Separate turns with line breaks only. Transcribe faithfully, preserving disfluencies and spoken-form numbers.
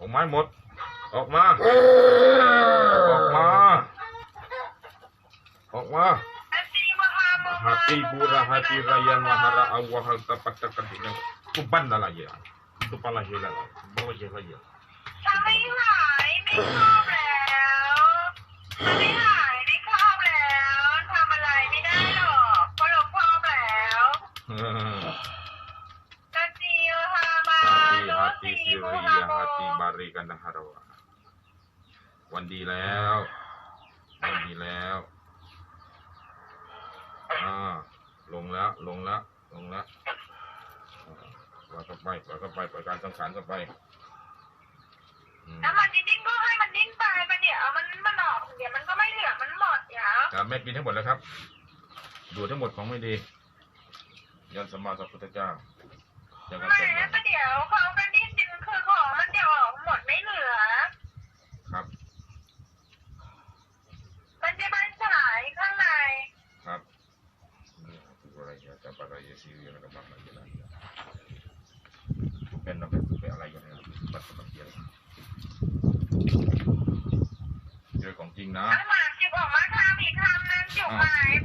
อกไม้หมดออกมาออกมาออกมาhati pura hati raya mahara awal tapat takat ini kuban dah lagi itu pala hila bawa je lagi
ทำไม่หายไม่ครอบแล้วทำไม่หายไม่ครอบแล้วทำอะไรไม่ได้หรอกเพราะเราครอบแล้วกะจิวฮามา
hati hati siria hati bari kanda harawa วันดีแล้ววันดีแล้วอ่าลงแล้วลงแล้วลงแล้วปล่อยเข้าไปปล่อยเข้าไปปล่อยการสังขารเข้าไป
น้ำมันดิ้นก็ให้มันดิ้นไปมันเดี๋ยวมันมันออกเดี๋ยวมันก็ไม่เหลือมันหมดเดี๋ยว
ครับแม่กินทั้งหมดแล้วครับดูทั้งหมดของไม่ดียันสมมาสัพพุทธเจ้าจะกัน
ไม่
เสร็จ
นะเดี๋ยวเขาก็ดิ้นดึงคือของมันเดี๋ยวออกหมดไม่เหลือ
ครับ
มันจะมันสลายข้างใน
ครับนี่คืออะไรเนี่ยจะอะไรya sih yang ada apa lagi lah bukan apa ituอะไรกันเนี่ยบัตรบัตรเดียวเจอของจริงนะ
ถ้าหมาจิบออกมาทำอีกคำนั้นจุกหาย